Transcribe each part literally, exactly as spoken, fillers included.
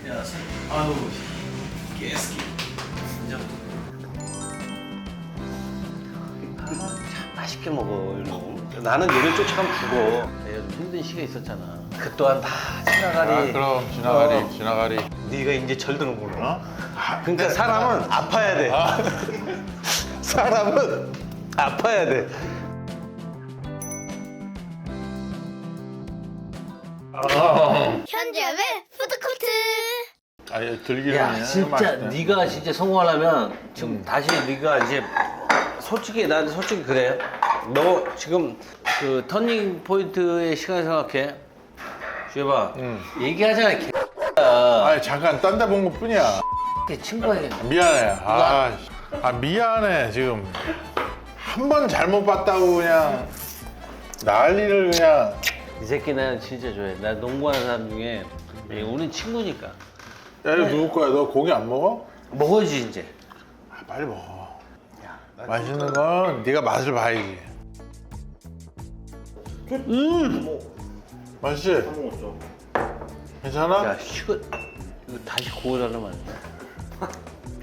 야, 선, 아유, 깨스키. 진짜. 아, 참 맛있게 먹어. 이런. 나는 얘를 쫓아가면 죽어. 내가 좀 힘든 시기가 있었잖아. 그 또한 다 지나가리. 아, 그럼 지나가리, 어. 지나가리. 네가 이제 절드는구나. 그러니까 사람은 아파야 돼. 아. 사람은 아파야 돼. 현재의 푸드코트. 아니 들기름. 야 진짜 네가 진짜 성공하려면 지금 다시 네가 이제 솔직히 난 솔직히 그래. 너 지금 그 터닝 포인트의 시간을 생각해. 주해봐. 응. 얘기하잖아. 개. 아니 잠깐 딴 데 본 것 뿐이야. 친구에게. 미안해. 아, 아 미안해 지금 한 번 잘못 봤다고 그냥 난리를 그냥. 이 새끼 나는 진짜 좋아해. 나 농구하는 사람 중에 우린 친구니까. 야 이거 누구 거야? 너 고기 안 먹어? 먹어야지 이제. 아, 빨리 먹어. 맛있는 건 네가 맛을 봐야지. 음. 맛있지? 괜찮아? 야 식은 이거 다시 구워달라면 안 돼.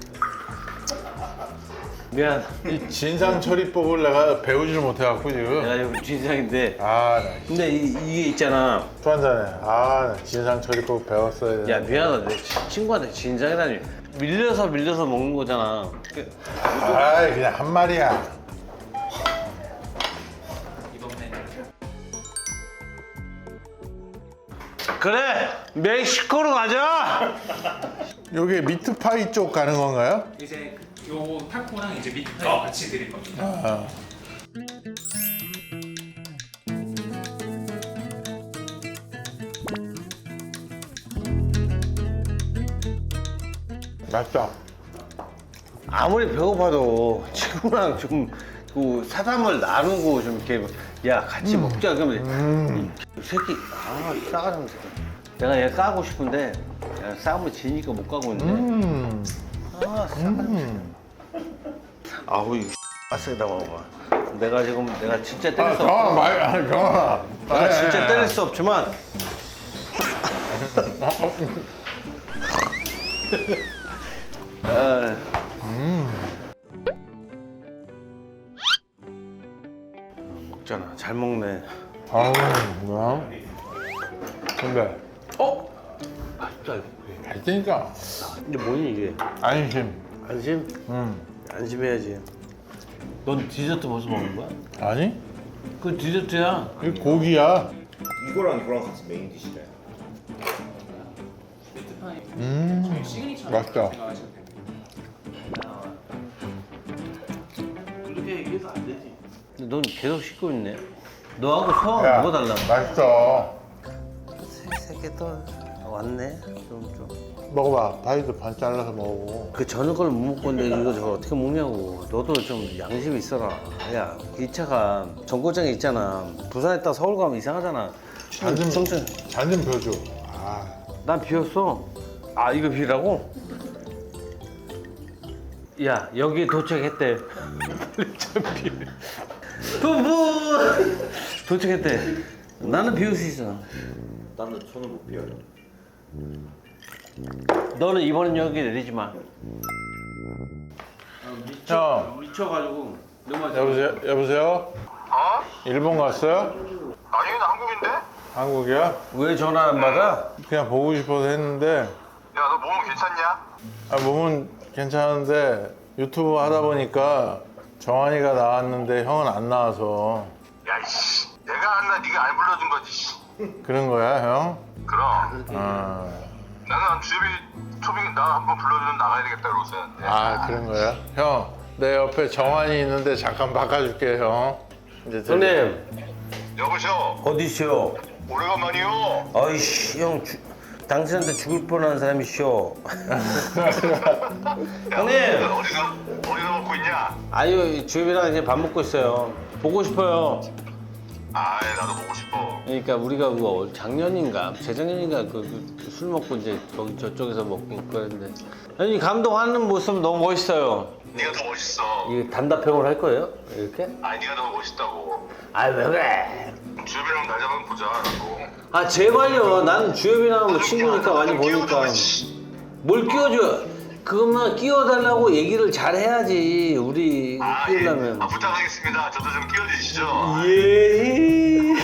미안. 이 진상 처리법을 내가 배우지를 못해갖고 지금. 내가 이거 진상인데. 아, 나 근데 이, 이게 있잖아. 또 한잔해. 아, 나 진상 처리법 배웠어야 돼. 야 미안하다. 내 치- 친구한테 진상이라니. 밀려서 밀려서 먹는 거잖아. 그- 아, 그냥 한 말이야. 그래 멕시코로 가자. 요게 미트파이 쪽 가는 건가요? 이제 요 타코랑 이제 미트파이 같이 드릴 겁니다. 아. 맛있다. 아무리 배고파도 친구랑 좀 그 사담을 나누고 좀 이렇게 야 같이 먹자 그러면 음. 이 새끼 아 싸가는 새끼. 내가 얘 까고 싶은데 야, 싸우면 지니까 못 가고 있는데. 음. 아 싸가는 음. 아우 이거 아세다 먹어. 내가 지금 내가 진짜 때릴 아, 수 경아, 없어. 말, 아, 경아. 내가 진짜 때릴 수 없지만. 아, 먹잖아. 잘 먹네. 아우, 뭐야? 근데, 어? 맛있다 이거. 맛있으니까. 근데 뭐니 이게? 안심. 안심? 음. 안심해야지. 넌 디저트 벌써 먹는 거야? 아니? 그 디저트야. 이 고기야. 이거랑 이거랑 같이 메인 디시래. 미트파이 음. 시그니처 맛있다. 생각하시면 됩니다. 그렇게 얘기해도 안 되지. 넌 계속 씻고 있네. 너하고 소화가 야, 뭐가 달라? 맛있어. 새끼 또 왔네. 좀 좀. 먹어봐. 파이도 반 잘라서 먹어. 그 저녁 걸 못 먹고 있는데 이거 저거 어떻게 먹냐고. 너도 좀 양심 있어라. 야, 이 차가 정거장에 있잖아. 부산에 있다 서울 가면 이상하잖아. 잔좀 정신. 잔좀 펴줘. 아, 난 비웠어. 아, 이거 비라고? 야, 여기 도착했대. 참 비. 부부 도착했대. 나는 비울 수 있어. 나는 손을 못 비워요. 너는 이번엔 여기 내리지 마. 형. 미쳐가지고 너무 여보세요? 여보세요? 어? 일본 갔어요? 아니 나 한국인데? 야 한국이야? 왜 전화 안 받아? 그냥 보고 싶어서 했는데. 너 몸은 괜찮냐? 아, 몸은 괜찮은데 유튜브 하다 보니까 정한이가 나왔는데 형은 안 나와서. 야이씨 내가 안나 네가 안 불러준 거지 씨. 그런 거야, 형? 그럼 아, 나는 주엽이 초빙 나 한번 불러주면 나가야 되겠다 그러고 있었는데 아 그런 거야? 형, 내 옆에 정한이 있는데 잠깐 바꿔줄게, 형. 이제 들려. 형님 여보세요 어디시오? 오래간만이요. 아이씨 형 주, 당신한테 죽을 뻔한 사람이시오. 형님. 너 어디가 어디가 먹고 있냐? 아유 주엽이랑 이제 밥 먹고 있어요. 보고 싶어요. 아이 나도 보고 싶어. 그러니까 우리가 뭐 작년인가 재작년인가 그 술 먹고 이제 거기 저쪽에서 먹고 그랬는데 형님 감독하는 모습 너무 멋있어요. 네가 더 멋있어. 이게 단답형으로 할 거예요? 이렇게? 아니 네가 더 멋있다고. 아 왜 그래? 주엽이랑 날 잡으면 보자. 라고. 아 제발요. 나는 주엽이랑 친구니까 많이 보니까. 뭘 끼워줘? 그것만 끼워달라고 얘기를 잘 해야지. 우리 아, 예. 끼우려면. 아, 부탁하겠습니다. 저도 좀 끼워주시죠. 예.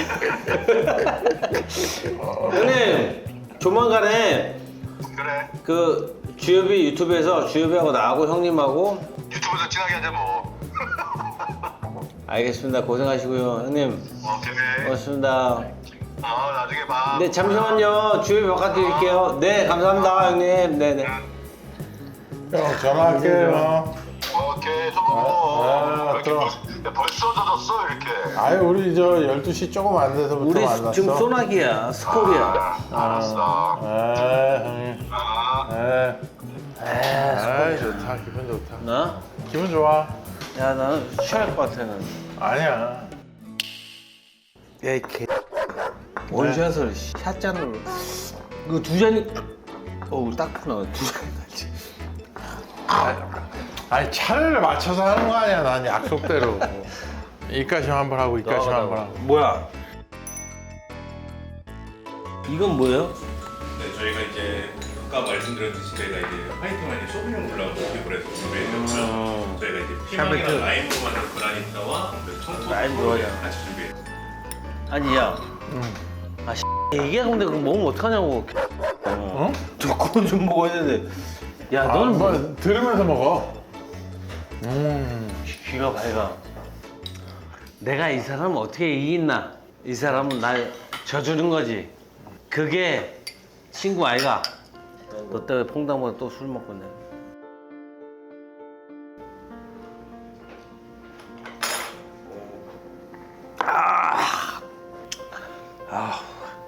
형님 조만간에 그래. 그 주엽이 유튜브에서 주엽이하고 나하고 형님하고 유튜브에서 친하게 하자 뭐. 알겠습니다. 고생하시고요. 형님 오케이. 고맙습니다. 어, 나중에 봐. 네 잠시만요. 주엽이 바꿔드릴게요. 네 감사합니다 형님. 네네. 형 전화할게요. 오케이. 좀 보고. 아, 이렇게 들어. 벌- 야, 벌써 젖었어 이렇게. 아유 우리 저 열두 시 조금 안 돼서부터 우리 만났어. 지금 소나기야 스콜이야. 알았어. 에 형님. 아. 에. 에이 아이 좋다 기분 좋다. 나? 기분 좋아. 야 나는 취할 것 같아 는 아니야. 야이 개. 원샷을 샷잔으로. 이거 두 잔이. 어우 딱 하나 두 잔이 나지. 아니 차를 맞춰서 하는 거 아니야. 난 약속대로. 이까심 한 번 하고 이까심 한 번 하고. 뭐야? 이건 뭐예요? 네, 저희가 이제 아까 말씀드렸듯이 저희가 이제 화이팅 와인에 쇼비뇽 블랑을 기브해서 준비해드렸고요. 음. 저희가 이제 샤베트. 피망이랑 라임으로 만든 그라니타와 그 청토 라임 소스를 좋아요. 같이 준비해요. 아니 야. 아 씨. 얘기가 근데 그거 먹으면 어떡하냐고. 어? 두꺼운 좀 먹어야 되는데. 야 아, 너는 뭐 뭐 들으면서 먹어. 음. 귀가 밝아. 내가 이 사람을 어떻게 이기나? 이 사람은 날 져주는 거지. 그게 친구 아이가. 너 때문에 퐁당보다 또 술 먹고 내. 아, 아,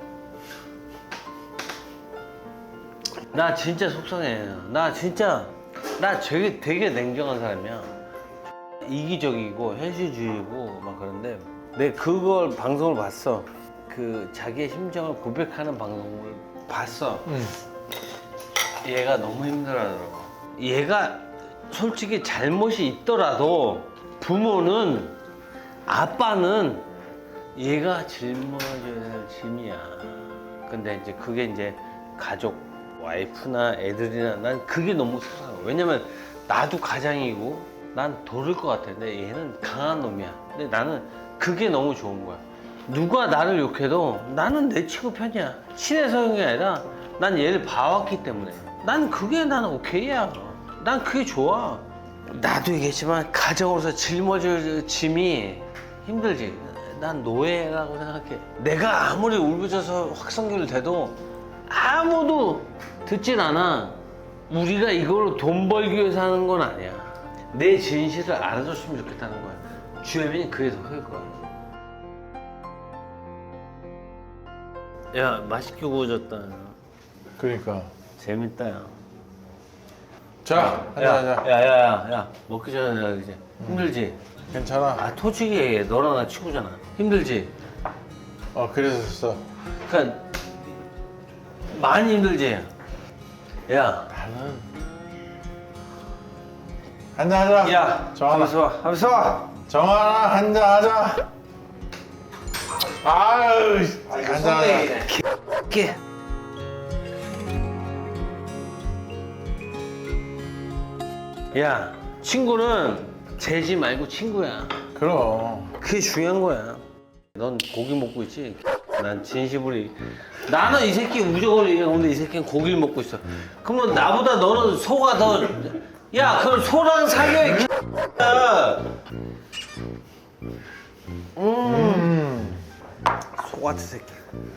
나 진짜 속상해. 나 진짜 나 되게 되게 냉정한 사람이야. 이기적이고 현실주의고 막 그런데 내 그걸 방송을 봤어. 그 자기의 심정을 고백하는 방송을 봤어. 음. 얘가 너무 힘들어하더라고. 얘가 솔직히 잘못이 있더라도 부모는 아빠는 얘가 짊어져야 될 짐이야. 근데 이제 그게 이제 가족, 와이프나 애들이나 난 그게 너무 속상해. 왜냐면 나도 가장이고 난 도를 것 같아. 근데 얘는 강한 놈이야. 근데 나는 그게 너무 좋은 거야. 누가 나를 욕해도 나는 내 친구 편이야. 친해 서형이 아니라 난 얘를 봐왔기 때문에. 난 그게 나는 오케이야. 난 그게 좋아. 나도 얘기했지만 가정으로서 짊어질 짐이 힘들지. 난 노예라고 생각해. 내가 아무리 울부짖어서 확성기를 대도 아무도 듣진 않아. 우리가 이걸로 돈 벌기 위해서 하는 건 아니야. 내 진실을 알아줬으면 좋겠다는 거야. 주혜민이 그게 더 클 거야. 야 맛있게 구워졌다. 그러니까. 재밌다 야. 자, 하자 하자. 야야야 야, 먹기 전에 이제 힘들지? 괜찮아. 아 솔직히 얘기해. 너랑 나 친구잖아. 힘들지? 어 그랬었어. 그러니까 많이 힘들지? 야 나는 한잔 하자. 야, 정하나. 하면서 와, 하면서 와. 정하나 한잔 하자. 아유, 한잔 하자. 게. 야, 친구는 재지 말고 친구야. 그럼. 그게 중요한 거야. 넌 고기 먹고 있지? 난 진심으로. 나는 이 새끼 무조건 얘기하는데 이 새끼는 고기를 먹고 있어. 그러면 나보다 너는 소가 더. 야, 그럼 소랑 사겨, 이 X야. 음. 소 같은 새끼.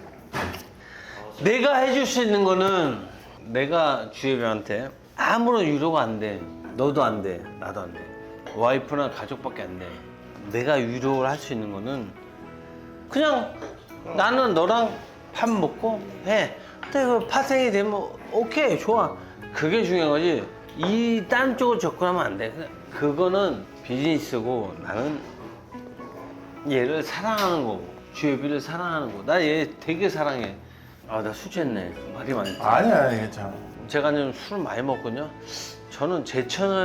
내가 해줄 수 있는 거는 내가 주혜비한테 아무런 위로가 안 돼. 너도 안 돼. 나도 안 돼. 와이프나 가족밖에 안 돼. 내가 위로를 할 수 있는 거는 그냥 나는 너랑 밥 먹고 해. 근데 그 파생이 되면 오케이 좋아. 그게 중요한 거지. 이 딴 쪽으로 접근하면 안 돼. 그거는 비즈니스고 나는 얘를 사랑하는 거고 주혜비를 사랑하는 거고 나 얘 되게 사랑해. 아 나 술 취했네. 말이 많지. 아니야, 아니, 괜찮아. 제가 좀 술을 많이 먹거든요. 저는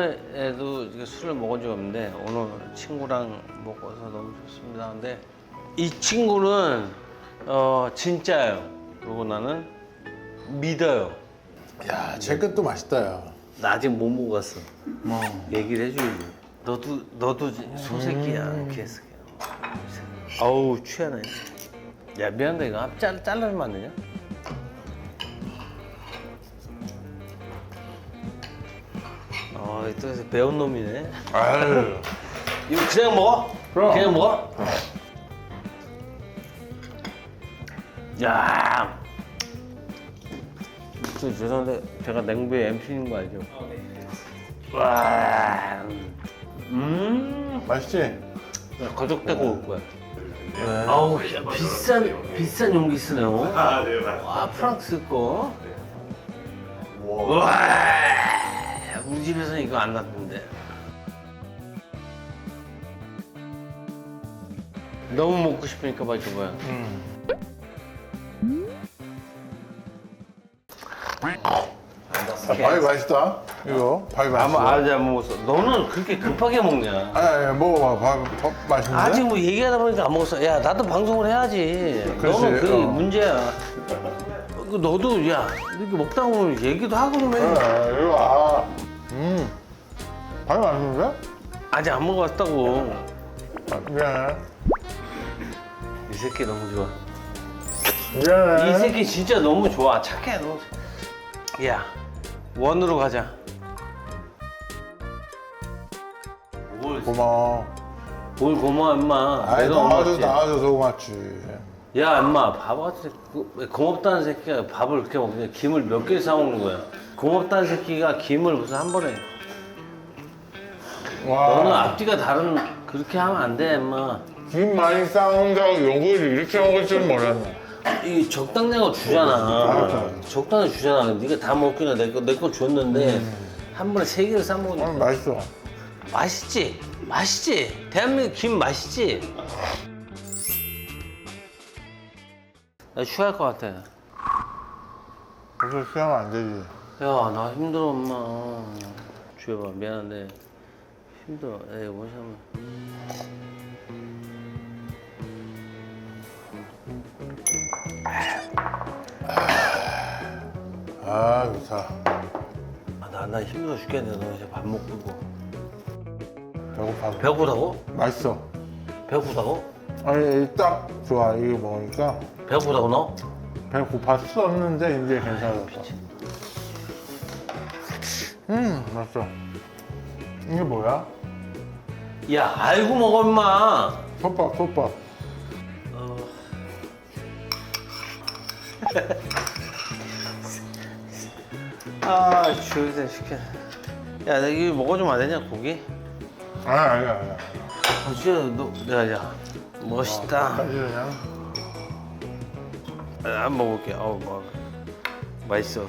제천에도 이렇게 술을 먹은 적이 없는데 오늘 친구랑 먹어서 너무 좋습니다. 근데 이 친구는 어 진짜예요. 그리고 나는 믿어요. 야, 제 것도 맛있다, 야. 나 아직 못 먹었어. 뭐 얘기를 해줘야지. 너도 너도 소새끼야. 음. 개새끼야. 아우 취하네. 야 미안한데 이거 앞 잘 잘라주면 안 되냐? 아또 배운 놈이네. 아유. 이거 그냥 먹어? 그럼. 그냥 먹어? 야. 저 죄송한데 제가 냉부의 엠씨인 거 알죠? 어, 네. 와. 음. 맛있지? 거적대고 올 거야. 아우 야, 비싼 비싼 용기 쓰네요. 아, 네, 맞습니다. 와 프랑스 거. 와. 우리 집에서는 이거 안 났는데. 너무 먹고 싶으니까 막 저거야. 아, 밥이 맛있다. 이거 밥이 맛있어. 아마 아직 안 먹었어. 너는 그렇게 급하게 먹냐? 아니, 아니, 먹어봐. 밥, 밥 맛있는데? 아직 뭐 얘기하다 보니까 안 먹었어. 야 나도 방송을 해야지. 그렇지, 너는 그게 어. 문제야. 그 너도 야 이렇게 먹다 보면 얘기도 하고 그러면 아, 이거, 아. 음. 밥이 맛있는데? 아직 안 먹어봤다고. 아, 미안해. 이 새끼 너무 좋아. 미안해. 이 새끼 진짜 너무 좋아. 착해 너무. 야 원으로 가자. 뭘, 고마워. 뭘 고마워 임마. 아이, 내가 나와줘서 고맙지. 나와줘서 고맙지. 야 임마 바보 같은 새끼. 그- 고맙다는 새끼가 밥을 그렇게 먹냐. 김을 몇 개 사먹는 거야. 고맙다는 새끼가 김을 무슨 한 번에. 와. 너는 앞뒤가 다른 그렇게 하면 안 돼 임마. 김 많이 싸운다고 요거를 이렇게 먹을 줄 몰랐네. 이 적당량을 주잖아. 알았어. 적당히 주잖아. 네가 다 먹기나 내거 내 거 줬는데 한 번에 세 개를 싸 먹으니까 어, 맛있어. 맛있지? 맛있지? 대한민국 김 맛있지? 나 쉬할 것 같아. 야 벌써 쉬하면 안 되지. 나 힘들어 엄마. 주여봐 미안한데 힘들어. 에이 원샷만. 아, 좋다. 나, 나 힘들어 죽겠네. 너 이제 밥 먹고. 배고파. 배고프다고? 맛있어. 배고프다고? 아니, 딱 좋아. 이거 먹으니까. 배고프다고 너? 배고팠었는데 이제 괜찮았어. 음, 맛있어. 이게 뭐야? 야 알고 먹어 임마. 솥밥, 솥밥. 아 주여서 시켜. 야, 나 이거 먹어주면 안 되냐 고기? 아니, 아니, 아니. 아, 진짜 너, 야, 야, 멋있다. 사실 그냥. 아, 한 번 먹을게. 어우, 뭐, 맛있어.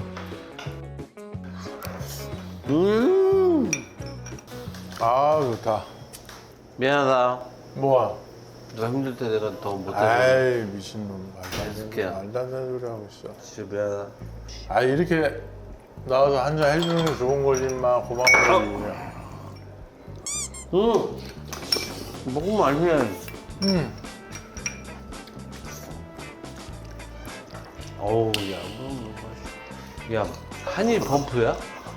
음, 아, 좋다. 미안하다. 뭐야? 너 힘들 때 내가 더 못해서. 아이, 미친놈. 말도 안 되는, 해줄게요. 말도 안 되는 소리 하고 있어. 진짜 미안하다. 아, 이렇게 나와서 한잔 해주는 게 좋은 거지, 인마. 고마운 거지. 그냥. 응. 먹으면 알면. 음. 어우, 야, 뭐, 맛있어. 야, 한일 범프야?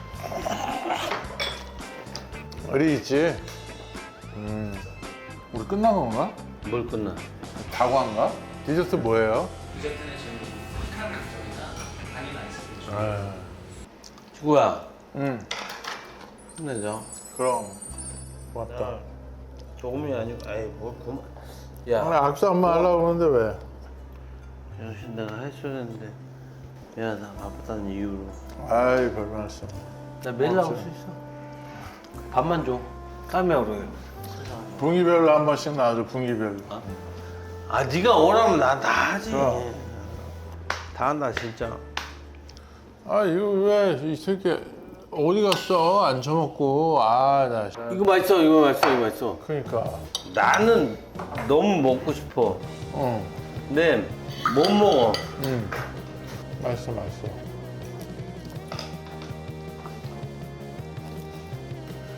어디 있지? 음. 우리 끝난 건가? 뭘 끝나? 다과인가? 디저트 뭐예요? 디저트는 지금 카라멜 정이나 바닐라 아이스크림. 아, 주구야, 음. 힘내자. 그럼. 고맙다. 조금이 아니고, 아이, 뭘 그만. 아, 야, 악수 한 번 하려고 그러는데 왜? 정신 내가 했어야 되는데. 미안하다, 바쁘다는 이유로. 아이, 별 말씀. 나 매일 나올 수 있어. 밥만 줘. 까메오로. 분기별로 한 번씩 나와줘, 분기별로. 아, 네가 원하면 나 다 하지. 그럼. 다 한다, 진짜. 아, 이거 왜 이 새끼 어디 갔어? 안 처먹고. 아, 나. 씨. 이거 맛있어, 이거 맛있어, 이거 맛있어. 그러니까. 나는 너무 먹고 싶어. 어. 근데 못 먹어. 음. 맛있어, 맛있어.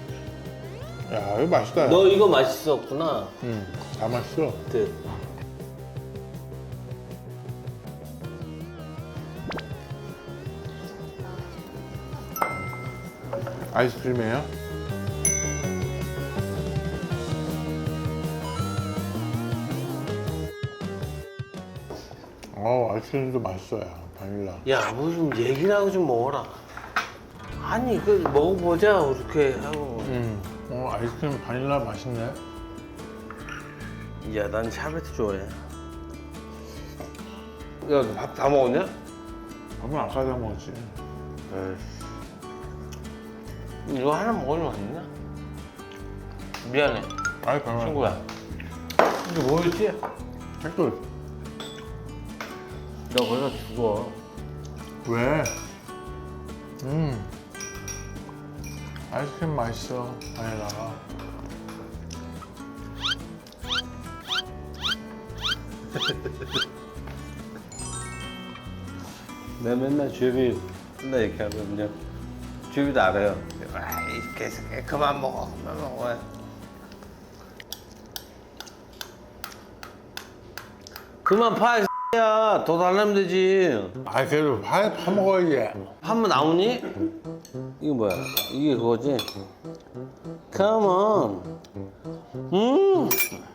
야, 이거 맛있다. 야. 너 이거 맛있었구나. 음, 다 맛있어. 그 아이스크림이에요? 어 아이스크림도 맛있어요. 바닐라. 야, 뭐 좀 얘기를 하고 좀 먹어라. 아니, 그 먹어보자, 이렇게 하고. 음. 어 아이스크림 바닐라 맛있네. 야, 난 샤베트 좋아해. 야, 너 밥 다 먹었냐? 밥은 아까 다 먹었지. 이거 하나 먹으면 안 되냐? 미안해, 아이 별말. 친구야. 이게 뭐였지? 댓글. 너 거기서 죽어. 왜? 음. 아이스크림 맛있어. 바닐라가. 내가 맨날 주엽이 맨날 이렇게 하거든요. 주엽이도 알아요. 아이, 계속 그만 먹어, 그만 먹어. 그만 파, 이 야. 더 달라면 되지. 아 그래도 파, 파 먹어야지. 한번 나오니? 이게 뭐야? 이게 그거지? Come on. 음.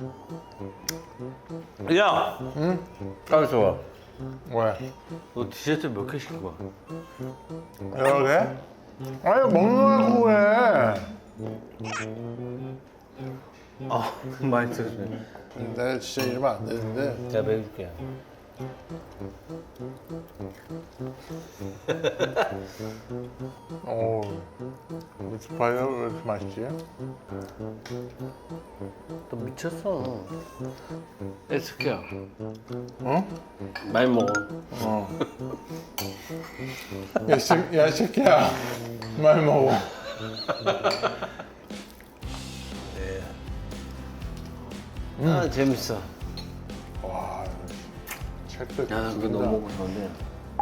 야. 응? 가만있어 봐. 왜? 너 디저트 몇 개 시킨 거야? 여러 개? 아니 먹는 거 해. 아, 맛있어. 내가 진짜 이러면 안 되는데. 내가 먹여줄게. 오, 무스파이가 왜 이렇게 맛있지? 너 미쳤어. 에스케야. 어? 많이 먹어. 어. 야, 씨, 야, 이 새끼야. 많이 먹어. 아, 재밌어. 와, 책도 야, 나 그거 너무 먹고 싶은데.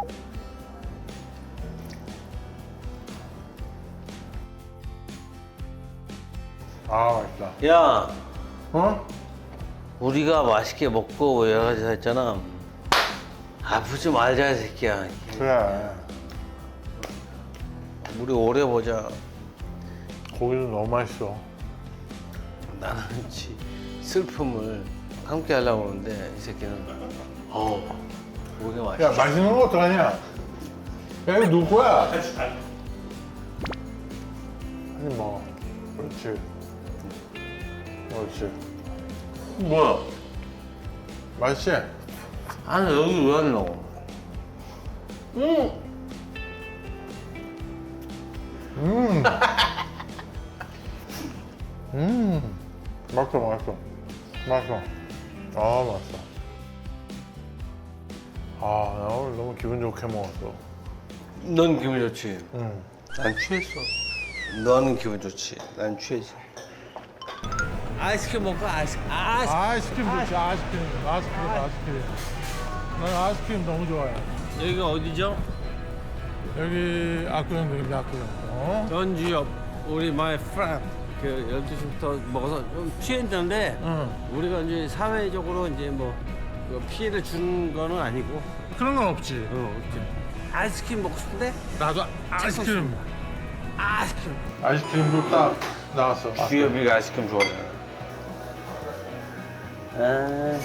아, 맛있다. 야, 어? 우리가 맛있게 먹고 여러 가지 다 했잖아. 아프지 말자, 이 새끼야. 그래. 우리 오래 보자. 고기도 너무 맛있어. 나는 지 슬픔을 함께 하려고 하는데 이 새끼는 어우 고기가 맛있어. 야, 맛있는 거 어떡하냐? 야, 이거 누구 거야? 아니, 뭐. 그렇지. 그렇지. 뭐야? 맛있지? 아니 여기 왜 안 넣어? 응. 음. 음. 맛있어, 맛있어. 맛있어. 아, 맛있어. 아, 나 오늘 너무 기분 좋게 먹었어. 넌 기분 좋지? 응. 난 취했어. 너는 기분 좋지? 난 취했어. 아이스크림 먹고 아이스크림. 아이스크림. 아이스크림 좋지, 아이스크림. 아이스크림, 아이스크림. 난 아이스크림 너무 좋아해. 여기가 어디죠? 여기 압구정동입니다, 압구정. 어? 전주 옆 우리 my friend 그 열두 시부터 먹어서 좀 취했는데 응. 우리가 이제 사회적으로 이제 뭐 피해를 준 거는 아니고 그런 건 없지. 어, 이렇게 아이스크림 먹고 싶은데 나도 아이스크림. 아이스크림. 아이스크림도 딱 나왔어. 주엽이가 아이스크림 좋아해. 아.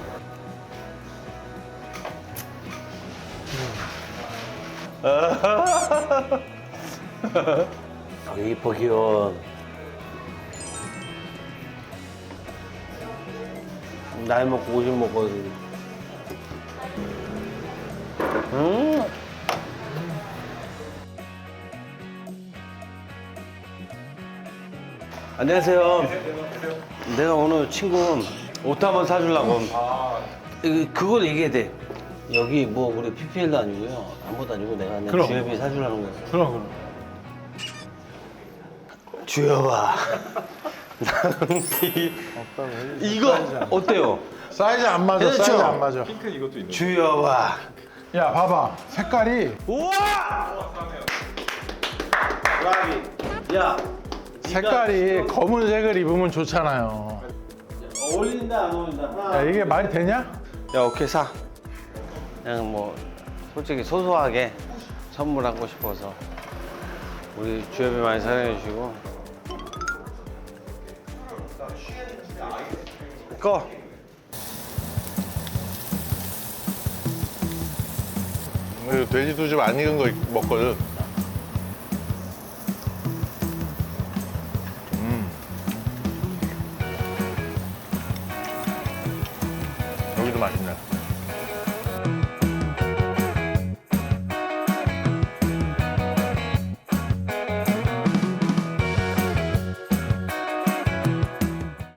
아, 이뻐 귀여워. 나이 먹고 오십 먹거든. 음. 안녕하세요. 내가 오늘 친구 옷 한번 사주려고. 이거- 그걸 얘기해야 돼. 여기 뭐 우리 피피엘도 아니고요. 아무것도 아니고 내가 그냥 그럼. 주엽이 사주려는 거야. 그럼, 그럼. 주엽아. 나는 이, 이거 어때요? 사이즈 안 맞아, 그렇죠? 사이즈 안 맞아. 핑크 이것도 있네. 주엽아. 야, 봐봐. 색깔이, 우와! 야, 색깔이 검은색을 입으면 좋잖아요. 어울린다 안 어울린다? 하나. 야, 이게 말이 되냐? 야, 오케이 사. 그냥 뭐 솔직히 소소하게 선물하고 싶어서. 우리 주엽이 많이 사랑해 주시고. 꺼. 이거 돼지도 좀 안 익은 거 먹거든. 음. 여기도 맛있네.